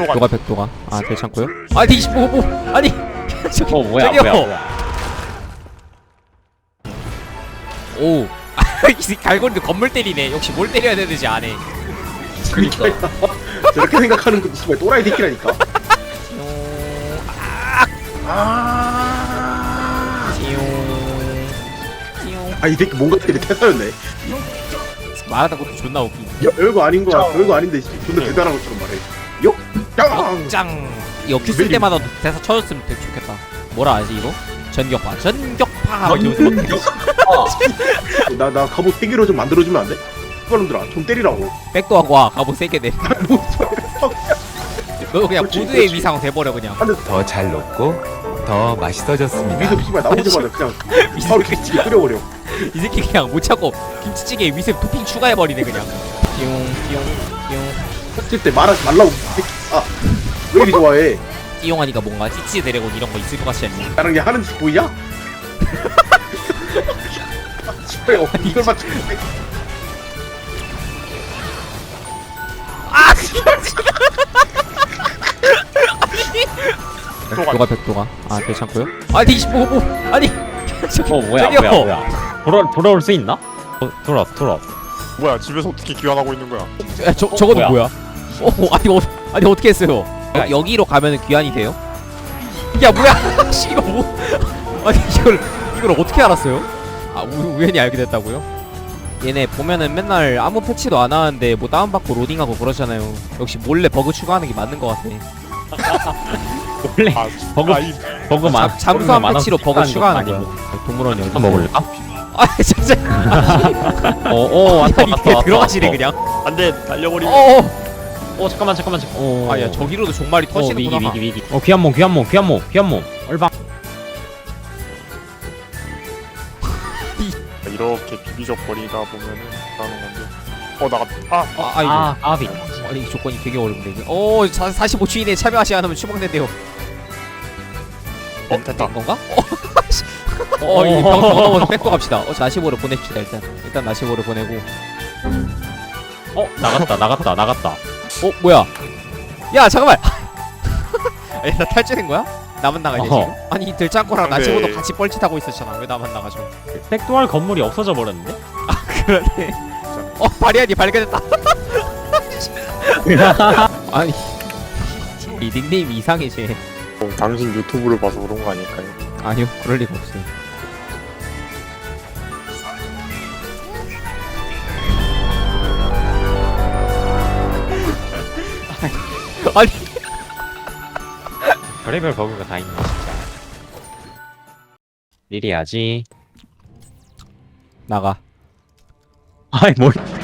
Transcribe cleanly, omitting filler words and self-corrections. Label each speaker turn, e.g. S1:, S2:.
S1: 백도가 백도가 아 괜찮고요. 아니 뭐 아니 저기
S2: 뭐야
S1: 저기요.
S2: 뭐야
S1: 오 이 갈고리도 건물 때리네. 역시 뭘 때려야 되는지 아네.
S3: 그니까 저렇게 생각하는 것도 정말 또라이 새끼라니까. 이 새끼 뭔가 때리 태사였네.
S1: 말하다 것도 존나 웃기.
S3: 야, 별거 아닌 거야. 별거 아닌데 존나 대단한 것처럼 말해. 욕! 짱!
S1: 짱. 이거 큐 쓸 때마다 대사 쳐줬으면 되게 좋겠다. 뭐라 하지 이거? 전격파 전격파.
S3: 나 갑옷 3개로 좀 만들어주면 안 돼? 그놈들아 좀 때리라고.
S1: 백도 하고 와. 갑옷 세게 내. 너 그냥 보드의 위상 돼버려 그냥.
S4: 더 잘 녹고 더 맛있어졌습니다.
S3: 위습 씨발 나오자마자 그냥 바로 김치찌개 끓여버려.
S1: 이 새끼 그냥 못 참고 김치찌개에 위습 토핑 추가해버리네 그냥. 띠용띠용띠용.
S3: 섞일 때 말하지 말라고. 왜 이리 좋아해?
S1: 띠용하니까 뭔가 찌찌 드래곤 이런 거 있을 것 같지 않니?
S3: 나랑 얘 하는 짓 보이냐? 씨발 이걸 맞추고
S1: 백도가 백도가 아 괜찮고요. 아니 뭐 아니 저기
S2: 뭐야
S1: 저기요.
S2: 뭐야 돌아올 수 있나? 돌아왔어
S5: 뭐야 집에서 어떻게 귀환하고 있는 거야?
S1: 저거는 뭐야? 아니 어떻게 했어요? 여기로 가면은 귀환이 돼요? 야 뭐야? 씨 이거 뭐? 아니 이걸 어떻게 알았어요? 아 우연히 알게 됐다고요? 얘네 보면은 맨날 아무 패치도 안 하는데 뭐 다운받고 로딩하고 그러잖아요. 역시 몰래 버그 추가하는 게 맞는 것 같아.
S2: 원래 버그
S5: 이
S2: 버그만
S1: 잠수함 패치로 버그 추가하는 거야. 동물원 여기.
S2: 한번 먹을까?
S1: 아 진짜.
S2: 왔다
S1: 아니 그냥 들어가시네 그냥.
S5: 안돼 달려버리.
S2: 잠깐만
S1: 아야 저기로도 종말이 터지는구나.
S2: 위기 귀한 몸 얼방
S5: 이렇게 비비적 버리다 보면은 나는 건데. 나갔다.
S1: 아이고.
S2: 아비
S1: 아니 이 조건이 되게 어려운데 이게. 45주인에 참여하시 않으면 추방된대요.
S5: 됐다.
S1: 된 건가? 이병 넘어서 뺏고 갑시다. 45로 보냅시다 일단 45로 보내고.
S2: 나갔다
S1: 뭐야? 야 잠깐만. 아니 나 탈주된 거야? 나만 나가냐 지금? 아니 이 들짱코랑
S5: 근데-
S1: 나시고도 같이 뻘짓하고 있었잖아. 왜 나만 나가죠?
S2: 백도할 건물이 없어져 버렸는데?
S1: 그러네. 바리안이 발견했다. 아니 이 닉네임이 이상해지.
S5: 당신 유튜브를 봐서 그런 거 아닐까요?
S1: 아니요 그럴 리가 없어요. 아니
S2: 별의별 버그가 다 있네 진짜 미리 해야지
S1: 나가.
S2: 아이 뭘